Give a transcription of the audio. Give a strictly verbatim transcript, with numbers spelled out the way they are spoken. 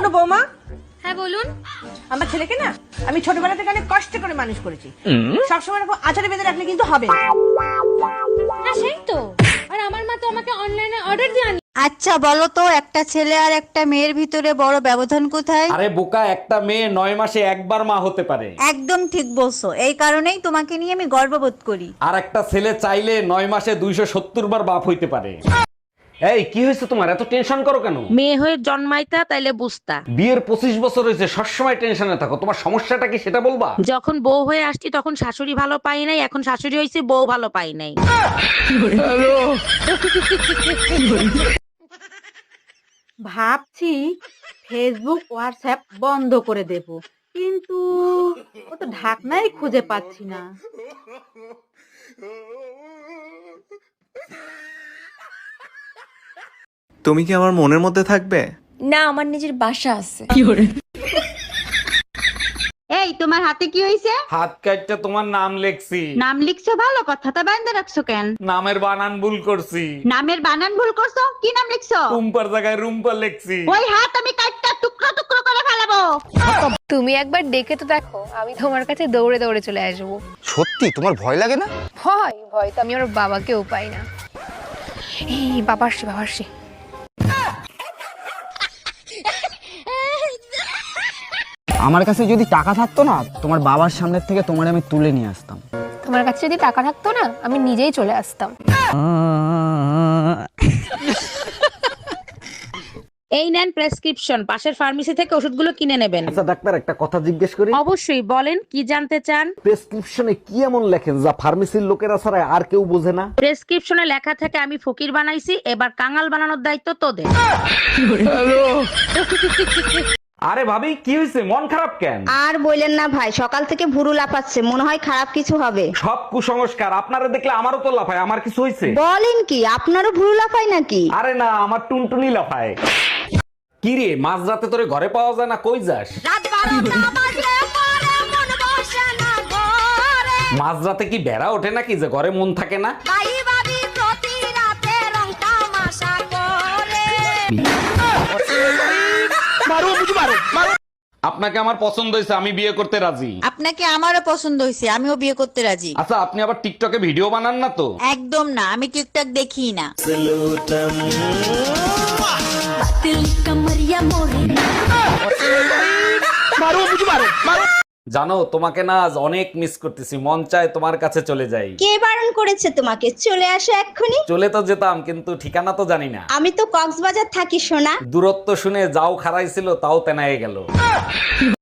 শোনো বৌমা, হ্যাঁ বলুন। আমার ছেলেকে না আমি ছোটবেলা থেকে অনেক কষ্ট করে মানুষ করেছি। সবসময় এরকম আচারে বেঁধে রাখলে কিন্তু হবে না। হ্যাঁ সেই তো, আর আমার মা তো আমাকে অনলাইনে অর্ডার দিয়ে আনি। আচ্ছা বলো তো, একটা ছেলে আর একটা মেয়ের ভিতরে বড় ব্যবধান কোথায়? আরে বোকা, একটা মেয়ে নয় মাসে একবার মা হতে পারে। একদম ঠিক বলছো, এই কারণেই তোমাকে নিয়ে আমি গর্ববোধ করি। আর একটা ছেলে চাইলে নয় মাসে দুইশো সত্তর বার বাপ হইতে পারে। এই কি হয়েছে তোমার, এত টেনশন করো কেন? মেয়ে হয়ে জন্মাইতা তাইলে বুঝতা। বিয়ের পঁচিশ বছর হয়েছে, সবসময় টেনশনে থাকো। তোমার সমস্যাটা কি সেটা বলবা? যখন বউ হয়ে আসছি তখন শাশুড়ি ভালো পাই নাই, এখন শাশুড়ি হয়েছে বউ ভালো পাই নাই। ভাবছি ফেসবুক হোয়াটসঅ্যাপ বন্ধ করে দেব, কিন্তু ও তো ঢাকনাই খুঁজে পাচ্ছি না। তুমি কি আমার মনের মধ্যে থাকবে? না, আমার নিজের বাসা আছে। এই তোমার হাতে কি হয়েছে? হাত কাটটা তোমার নাম লেখছি। নাম লিখছো ভালো কথা, তা বাইন্দা রাখছো কেন? নামের বানান ভুল করছি। নামের বানান ভুল করছো? কি নাম লিখছো? রুম্পার জায়গায় রুম্পা লেখছি। ওই হাত আমি কাটটা টুকরো টুকরো করে ফেলাবো। তুমি একবার ডেকে তো দেখো, আমি তোমার কাছে দৌড়ে দৌড়ে চলে আসবো। সত্যি তোমার ভয় লাগে না? ভয় ভয় তো আমি আমার বাবাকেও পাই না। এই বাবা আসছে, বাবা আসছে। আমার কাছে যদি টাকা থাকতো না, তোমার বাবার সামনের থেকে তোমার আমি তুলে নিয়ে আসতাম। তোমার কাছে যদি টাকা থাকতো না, আমি নিজেই চলে আসতাম। এই নেন প্রেসক্রিপশন, পাশের ফার্মেসি থেকে ওষুধগুলো কিনে নেবেন। আচ্ছা ডাক্তার, একটা কথা জিজ্ঞেস করি? অবশ্যই বলেন, কি জানতে চান? প্রেসক্রিপশনে কি এমন লেখেন যা ফার্মেসির লোকেরা ছাড়া আর কেউ বোঝে না? প্রেসক্রিপশনে লেখা থেকে আমি ফকির বানাইছি, এবার কাঙাল বানানোর দায়িত্ব তোদের। আরে ভাবি, কি হয়েছে, মন খারাপ কেন? আর বললেন না ভাই, সকাল থেকে ভুরু লাফাচ্ছে, মনে হয় খারাপ কিছু হবে। সব কুসংস্কার। আপনারা দেখলে আমারও তো লাফায়। আমার কিছু হয়েছে? বলেন কি, আপনারও ভুরু লাফায় নাকি? আরে না, আমার টুনটুনি লাফায়। কি রে, মাঝ রাতে তোরে ঘরে পাওয়া যায় না, কই যাস? মাঝ রাতে কি বেড়া ওঠে নাকি যে ঘরে মন থাকে না? আপনাকে আমার পছন্দ হয়েছে, আমি বিয়ে করতে রাজি। আপনাকে আমারও পছন্দ হয়েছে, আমিও বিয়ে করতে রাজি। আচ্ছা, আপনি আবার টিকটকে ভিডিও বানান না তো? একদম না, আমি টিকটক দেখি না। জানো, তোমাকে না আজ অনেক মিস করতেছি। মন চায় তোমার কাছে চলে যাই। কে বারণ করেছে তোমাকে? চলে আসো এক্ষুনি। চলে তো যেতাম, কিন্তু ঠিকানা তো জানি না। আমি তো কক্সবাজার থাকি সোনা। দূরত্ব শুনে যাও খারাইছিল, তাও তেনায়ে গেল।